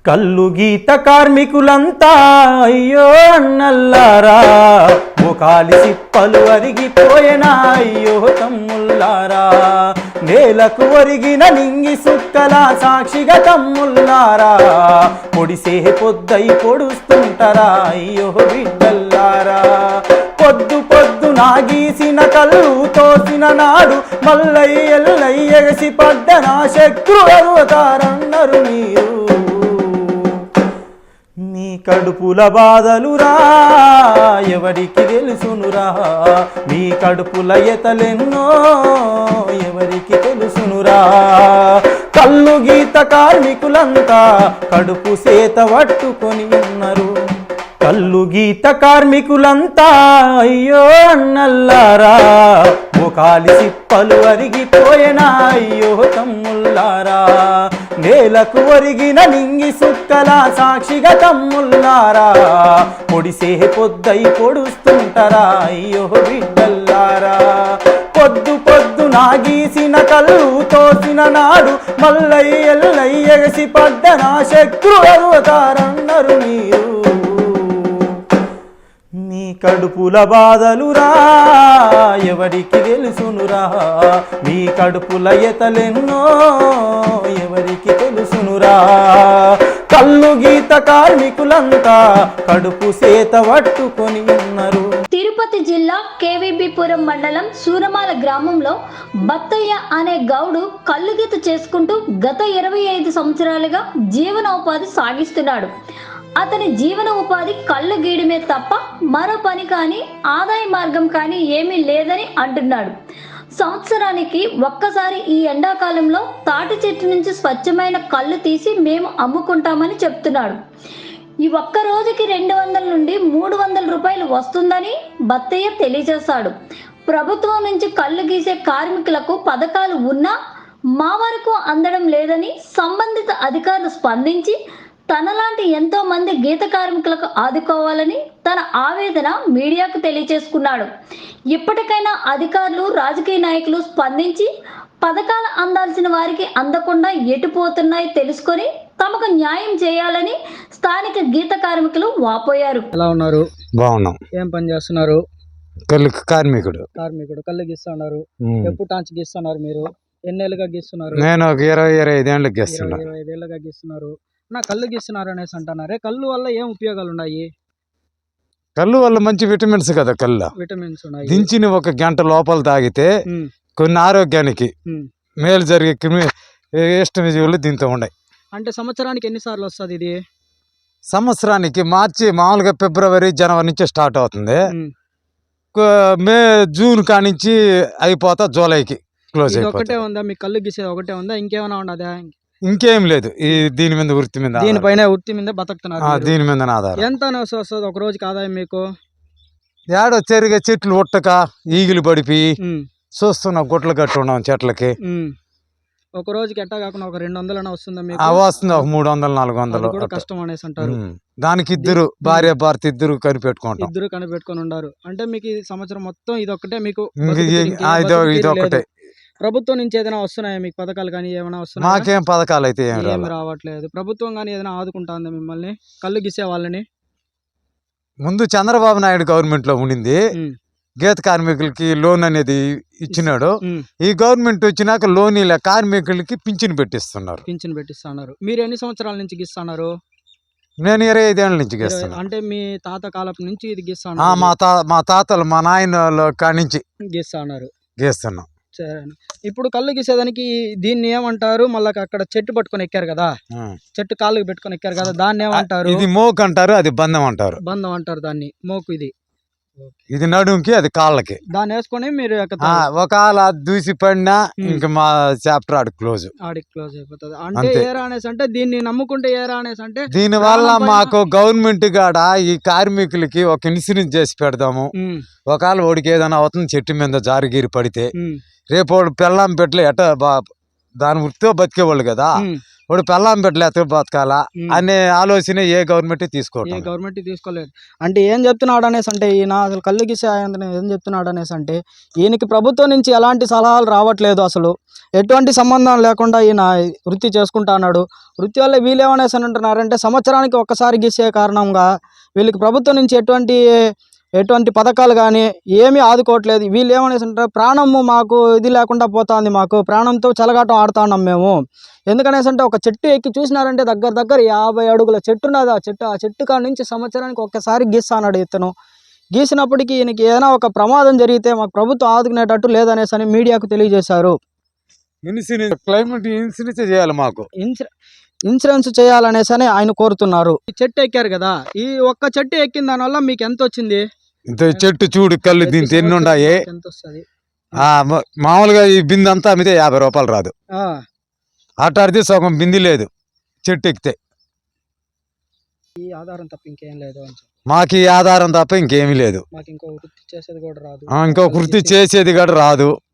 కల్లు గీత కార్మికులంతా అయ్యో అన్నల్లారా, ముఖాలి సిప్పలు అరిగిపోయినా అయ్యో తమ్ముల్లారా, నేలకు ఒరిగిన నింగి సుక్కల సాక్షిగా తమ్ముల్లారా, పొడిసే పొద్దై పొడుస్తుంటారా అయ్యో బిడ్డల్లారా. పొద్దు పొద్దు నాగీసిన కళ్ళు తోసిన నాడు మల్లై ఎల్లై ఎగసి పడ్డ నా శత్రు అరువతారన్నారు మీరు. మీ కడుపుల బాధలురా ఎవరికి తెలుసునురా, మీ కడుపుల ఎతలెన్నో ఎవరికి తెలుసునురా. కల్లు గీత కార్మికులంతా కడుపు సేత పట్టుకొని ఉన్నారు. కల్లు గీత కార్మికులంతా అయ్యో అన్నల్లారా, ముఖాలి సిప్పలు అరిగిపోయినా అయ్యో తమ్ముల్లారా, నేలకు ఒరిగిన నింగి సుక్కల సాక్షిగా తమ్ముల్లారా, పొడిసే పొద్దై పొడుస్తుంటారా అయ్యో బిడ్డల్లారా. పొద్దు పొద్దు నాగీసిన కళ్ళు తోసిన నాడు మల్లై ఎల్లై ఎగసి పడ్డ నా శత్రు అరువతారన్నారు మీరు. మీ కడుపుల బాధలురా ఎవరికి తెలుసునురా, మీ కడుపుల ఎతలెన్నో ఎవరికి తెలుసునురా. కల్లు గీత కార్మికులంతా కడుపు సేత పట్టుకొని ఉన్నారు. తిరుపతి జిల్లా కేవీబీపురం మండలం సూరమాల గ్రామంలో బత్తయ్య అనే గౌడు కల్లుగీత చేసుకుంటూ గత 25 సంవత్సరాలుగా జీవనోపాధి సాగిస్తున్నాడు. అతని జీవన ఉపాధి కళ్ళు గీయడమే తప్ప మరో పని కానీ ఆదాయ మార్గం కానీ ఏమీ లేదని అంటున్నాడు. సంవత్సరానికి ఒక్కసారి ఈ ఎండాకాలంలో తాటి చెట్టు నుంచి స్వచ్ఛమైన కళ్ళు తీసి మేము అమ్ముకుంటామని చెప్తున్నాడు. ఈ ఒక్క రోజుకి 200 నుండి 300 రూపాయలు వస్తుందని బత్తయ్య తెలియజేశాడు. ప్రభుత్వం నుంచి కళ్ళు గీసే కార్మికులకు పథకాలు ఉన్నా మా వరకు అందడం లేదని సంబంధిత అధికారులు స్పందించి తనలాంటి ఎంతో మంది గీత కార్మికులకు ఆదుకోవాలని తన ఆవేదన మీడియాకు తెలియజేసుకున్నాడు. ఇప్పటికైనా అధికారులు రాజకీయ నాయకులు స్పందించి పథకాలు అందాల్సిన వారికి అందకుండా ఎటుపోతున్నాయి తెలుసుకొని తమకు న్యాయం చేయాలని స్థానిక గీత కార్మికులు వాపోయారు. ఎలా ఉన్నారు? బాగున్నాం. ఏం పని చేస్తున్నారు? కళ్ళు కార్మికుడు. కళ్ళు గీస్తున్నారు. ఎప్పుడు టాంచి గీస్తున్నారు? మీరు ఎన్నేళ్ళుగా గీస్తున్నారు? నేను ఒక 25 ఏళ్ళకి గీస్తున్నా. 25 ఏళ్ళుగా గీస్తున్నారు. నా కళ్ళు గీస్తున్నారు అనేసి అంటున్నారే, కళ్ళు వల్ల ఏం ఉపయోగాలు ఉన్నాయి? కళ్ళు వల్ల మంచి విటమిన్స్ కదా. కళ్ళు విటమిన్స్ ఉన్నాయి. దించిన 1 గంట లోపల తాగితే కొన్ని ఆరోగ్యానికి మేలు జరిగే ఇష్టజీవులు దీంతో ఉన్నాయి. అంటే సంవత్సరానికి ఎన్నిసార్లు వస్తుంది ఇది? సంవత్సరానికి మార్చి మామూలుగా ఫిబ్రవరి జనవరి నుంచి స్టార్ట్ అవుతుంది. మే జూన్ కానించి అయిపోతా జూలైకి క్లోజ్ అయిపోతుంది. ఒకటే ఉందా మీకు కళ్ళు గీసేది? ఒకటే ఉందా? ఇంకేమైనా ఉన్నదా? ఇంకేం లేదు. ఈ దీని మీద వృత్తి మీద, దీనిపైన వృత్తి మీద బతుకుతున్నారు. దీని మీద ఆధారం. ఎంత వస్తుంది ఒక రోజుకి ఆదాయం మీకు? ఏడో చెరిగే చెట్లు ఉట్టక ఈగిలు పడిపోయి చూస్తున్నా గుట్టలు కట్టి ఉన్నాం చెట్లకి. ఒక రోజుకి ఎట్టా కాకుండా ఒక 200 వస్తుందా మీకు? వస్తుంది. ఒక 300-400 కూడా కష్టం అనేసి అంటారు. దానికి ఇద్దరు భార్య భర్త ఇద్దరు కనిపెట్టుకుంటాం. ఇద్దరు కనిపెట్టుకొని ఉన్నారు. అంటే మీకు ఈ సంవత్సరం మొత్తం ఇదొక్కటే మీకు? ఇదొక్కటే. ప్రభుత్వం నుంచి ఏదైనా వస్తున్నాయా మీకు పథకాలు కానీ ఏమైనా వస్తున్నాయా? మాకేం పథకాలు అయితే ఏం రావట్లేదు. ప్రభుత్వం కానీ ఏదైనా ఆదుకుంటుందా మిమ్మల్ని కళ్ళు గీసే వాళ్ళని? ముందు చంద్రబాబు నాయుడు గవర్నమెంట్ లో ఉండింది. గీత కార్మికులకి లోన్ అనేది ఇచ్చినాడు. ఈ గవర్నమెంట్ వచ్చినాక లోన్ ఇలా కార్మికులకి పింఛన్ పెట్టిస్తున్నారు. మీరు ఎన్ని సంవత్సరాల నుంచి గీస్తున్నారు? నేను 25 ఏళ్ళ నుంచి గీస్తాను. అంటే మీ తాత కాలం నుంచి ఇది గీస్తాను? మా తాతలు మా నాయన కానించి గీస్తున్నాం. ఇప్పుడు కళ్ళు గీసేదానికి దీన్ని ఏమంటారు? మళ్ళీ అక్కడ చెట్టు పట్టుకొని ఎక్కారు కదా, చెట్టు కాళ్ళకి పెట్టుకొని ఎక్కారు కదా, దాన్ని ఏమంటారు? ఇది మోకు అంటారు, అది బంధం అంటారు. బంధం అంటారు దాన్ని. మోకు ఇది నడుంకి, అది కాళ్ళకి. దాన్ని వేసుకొని మీరు ఒకవేళ దూసి పడినా ఇంకా మా చాప్టర్ ఆడికి క్లోజ్ అయిపోతుంది. అంటే ఏరా అనేసి అంటే దీన్ని నమ్ముకుంటే ఏరా అనేసి అంటే దీని వల్ల మాకు గవర్నమెంట్ గాడ ఈ కార్మికులకి ఒక ఇన్సూరెన్స్ చేసి పెడదాము. ఒకవేళ ఓడికి ఏదైనా అవుతుంది చెట్టు మీద జారిగిరి పడితే రేపు వాడు పెళ్ళాం పెట్ల ఎట దాని వృత్తితో బతికేవాళ్ళు కదా, వాడు పెళ్ళాం పెట్టలే ఎత్తు బతకాలా అనే ఆలోచన ఏ గవర్నమెంట్ తీసుకోవట్లేదు. గవర్నమెంట్ తీసుకోలేదు అంటే ఏం చెప్తున్నాడు అనేసి అంటే ఈయన అసలు కళ్ళు గీసే ఆయన ఏం చెప్తున్నాడు అనేసి అంటే ఈయనకి ప్రభుత్వం నుంచి ఎలాంటి సలహాలు రావట్లేదు, అసలు ఎటువంటి సంబంధం లేకుండా ఈయన వృత్తి చేసుకుంటా అన్నాడు. వృత్తి వల్ల వీళ్ళేమనేసి అని అంటున్నారంటే సంవత్సరానికి ఒక్కసారి గీసే కారణంగా వీళ్ళకి ప్రభుత్వం నుంచి ఎటువంటి పథకాలు కానీ ఏమీ ఆదుకోవట్లేదు. వీళ్ళు ఏమనేసి అంటారు, ప్రాణము మాకు ఇది లేకుండా పోతుంది, మాకు ప్రాణంతో చెలగాటం ఆడుతా ఉన్నాం మేము. ఎందుకనేసి అంటే ఒక చెట్టు ఎక్కి చూసినారంటే దగ్గర 50 అడుగుల చెట్టు ఉన్నది. ఆ చెట్టు కాడ నుంచి సంవత్సరానికి ఒక్కసారి గీస్తాడు ఇతను. గీసినప్పటికీ ఈయనకి ఏదైనా ఒక ప్రమాదం జరిగితే మాకు ప్రభుత్వం ఆదుకునేటట్టు లేదనేసి అని మీడియాకు తెలియజేశారు. క్లైమేట్ ఇన్సూరెన్స్ చేయాలి, మాకు ఇన్సూరెన్స్ చేయాలనేసి అని ఆయన కోరుతున్నారు. ఈ చెట్టు ఎక్కారు కదా, ఈ ఒక్క చెట్టు ఎక్కిన దానివల్ల మీకు ఎంత వచ్చింది? చెట్టు చూడు కళ్ళు దీంతో ఎన్ని ఉన్నాయి. ఎంత వస్తుంది? మామూలుగా ఈ బిందె అంతా అమ్మితే 50 రూపాయలు రాదు. అటాడితే సగం బింది లేదు చెట్టు ఎక్కితే. ఈ ఆధారం తప్ప ఇంకేం లేదు. మాకు ఈ ఆధారం తప్ప ఇంకేమీ లేదు. మాకు ఇంకో వృత్తి చేసేది కూడా రాదు. ఇంకో వృత్తి చేసేది కూడా రాదు.